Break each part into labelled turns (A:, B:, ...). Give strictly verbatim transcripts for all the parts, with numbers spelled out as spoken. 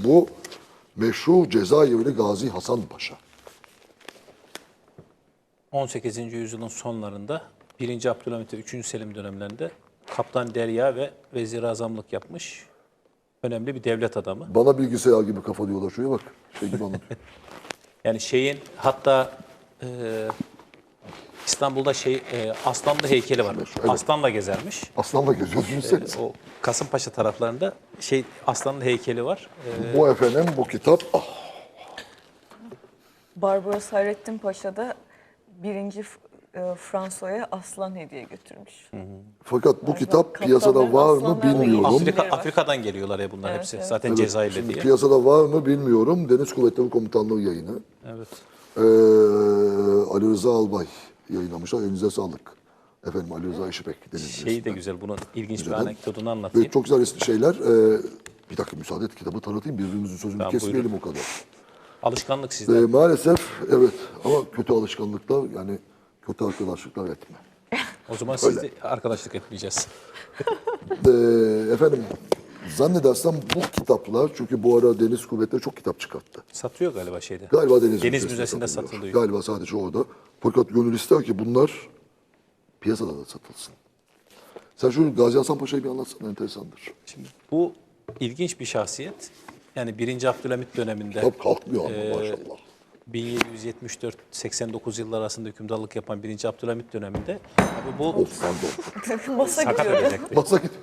A: bu meşhur Cezayirli Gazi Hasan Paşa.
B: on sekizinci yüzyılın sonlarında birinci Abdülhamit ve üçüncü Selim dönemlerinde Kaptan Derya ve Vezir-i Azamlık yapmış önemli bir devlet adamı.
A: Bana bilgisayar gibi kafa diyorlar. Şuraya bak. Şey gibi anlatıyor.
B: Yani şeyin hatta e, İstanbul'da şey e, Aslanlı heykeli var.
A: Evet.
B: Aslanla gezermiş.
A: Aslanla geziyoruz. Düşünsenize.
B: O Kasımpaşa taraflarında şey Aslanlı heykeli var. E,
A: Bu efendim bu kitap. Ah,
C: Barbaros Hayrettin Paşa da birinci e, Franço'ya aslan hediye götürmüş.
A: fakat bu kitap
C: kaptanların
A: piyasada var mı
C: aslanlarla
A: bilmiyorum.
B: Afrika,
C: var.
B: Afrika'dan geliyorlar ya bunlar
C: Evet,
B: hepsi.
C: evet.
B: Zaten
A: Evet,
B: Cezayirli
A: şimdi
B: diye.
A: piyasada var mı bilmiyorum. Deniz Kuvvetleri Komutanlığı yayını.
B: Evet.
A: Ee, Ali Rıza Albay yayınlamışlar. Elinize sağlık. Efendim Ali Rıza İşipek. Deniz
B: Şeyi de
A: Mühendisliğinden.
B: güzel. Bunun ilginç bir
A: Güzel.
B: anekdotunu anlatayım.
A: Ve çok güzel resimli şeyler. Ee, bir dakika müsaade et kitabı tanıtayım. Birbirimizin sözünü
B: Tamam,
A: kesmeyelim o kadar.
B: Alışkanlık
A: Ee,
B: sizde.
A: maalesef evet ama kötü alışkanlıklar yani kötü arkadaşlıklar etme.
B: O zaman sizle arkadaşlık etmeyeceğiz.
A: Ee, efendim zannedersem bu kitaplar çünkü bu ara Deniz Kuvvetleri çok kitap çıkarttı.
B: Satıyor galiba şeyde.
A: Galiba Deniz,
B: Deniz Müzesi'nde
A: satılıyor.
B: satılıyor.
A: Galiba sadece orada. Fakat gönül ister ki bunlar piyasada da satılsın. Sen şu Gazi Hasan Paşa'yı bir anlatsana, enteresandır.
B: Şimdi bu ilginç bir şahsiyet. Yani birinci Abdülhamit döneminde
A: Kitap kalkmıyor ama
B: e,
A: maşallah.
B: bin yedi yüz yetmiş dört seksen dokuz yıllar arasında hükümdarlık yapan birinci Abdülhamit döneminde tabii bu
A: Of pardon.
C: Masa
B: sakat
C: gidiyor.
B: edecekti.
A: Masa gidiyor.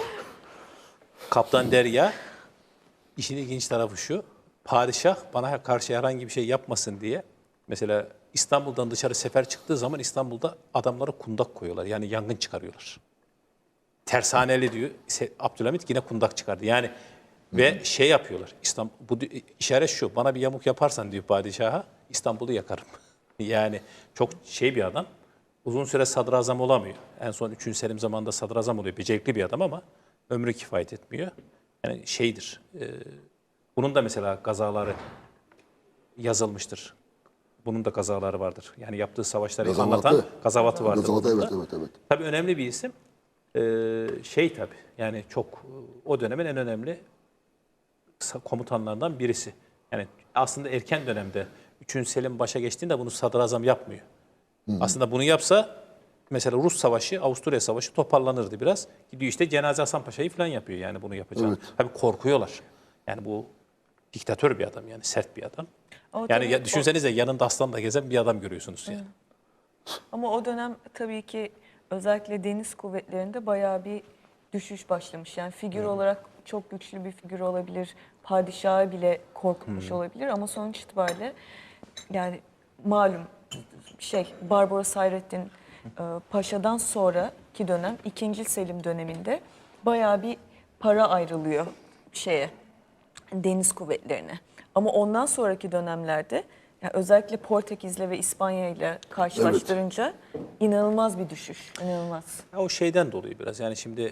B: Kaptan Derya, işin ilginç tarafı şu, padişah bana karşı herhangi bir şey yapmasın diye, mesela İstanbul'dan dışarı sefer çıktığı zaman İstanbul'da adamlara kundak koyuyorlar, yani yangın çıkarıyorlar. Tersaneli diyor, Se- Abdülhamit yine kundak çıkardı. Yani ve şey yapıyorlar, İstanbul, bu di- işaret şu, bana bir yamuk yaparsan diyor padişaha, İstanbul'u yakarım. Yani çok şey bir adam, uzun süre sadrazam olamıyor. En son üçüncü Selim zamanında sadrazam oluyor, becerikli bir adam ama ömrü kifayet etmiyor. Yani şeydir, e, bunun da mesela kazaları yazılmıştır. Bunun da kazaları vardır. Yani yaptığı savaşları
A: Gazavatı.
B: anlatan gazavatı vardır.
A: Gazavatı,
B: bunun
A: evet,
B: da.
A: evet, evet.
B: Tabii önemli bir isim. Ee, şey tabii yani çok o dönemin en önemli sa- komutanlarından birisi. Yani aslında erken dönemde üçüncü Selim başa geçtiğinde bunu sadrazam yapmıyor. Aslında bunu yapsa mesela Rus Savaşı, Avusturya Savaşı toparlanırdı biraz. Gidiyor işte Cenaze Hasan Paşa'yı falan yapıyor yani bunu yapacağını.
A: Evet.
B: Tabii korkuyorlar. Yani bu diktatör bir adam yani sert bir adam.
C: Ama
B: Yani
C: tabii
B: ya,
C: o-
B: düşünsenize yanında aslanla gezen bir adam görüyorsunuz yani.
C: Ama o dönem tabii ki özellikle deniz kuvvetlerinde bayağı bir düşüş başlamış. Yani figür olarak çok güçlü bir figür olabilir. Padişahı bile korkutmuş olabilir ama sonuç itibariyle yani malum şey Barbaros Hayrettin e, Paşa'dan sonraki dönem ikinci Selim döneminde bayağı bir para ayrılıyor şeye deniz kuvvetlerine. Ama ondan sonraki dönemlerde yani özellikle Portekiz'le ve İspanya ile karşılaştırınca inanılmaz bir düşüş. İnanılmaz.
B: Ya o şeyden dolayı biraz yani şimdi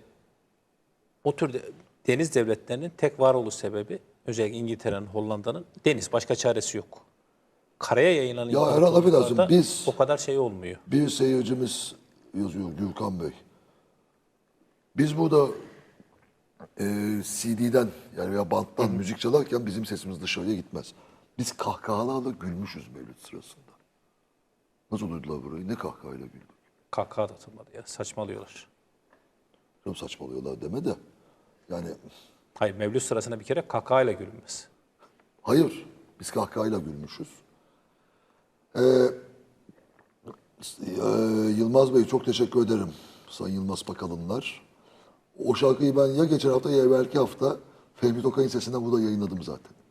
B: o tür de- deniz devletlerinin tek varoluş sebebi özellikle İngiltere'nin, Hollanda'nın deniz. Başka çaresi yok. Karaya yayılan
A: Ya Erhan,
B: imparatorluklarda
A: affedersin, biz-
B: o kadar şey olmuyor.
A: Bir seyircimiz yazıyor Gürkan Bey. Biz burada e, C D'den yani veya banttan müzik çalarken bizim sesimiz dışarıya gitmez. Biz kahkahalarla gülmüşüz mevlüt sırasında. Nasıl duydular burayı? Ne kahkahayla güldük?
B: Kahkaha da atılmadı ya. Saçmalıyorlar.
A: Canım saçmalıyorlar deme de. Yani
B: Hayır Mevlüt sırasında bir kere kahkahayla gülünmez.
A: hayır, biz kahkahayla gülmüşüz. Ee, e, Yılmaz Bey çok teşekkür ederim. Sayın Yılmaz Bakalınlar. O şarkıyı ben ya geçen hafta ya evvelki hafta Fehmi Tokay'ın sesinden burada yayınladım zaten.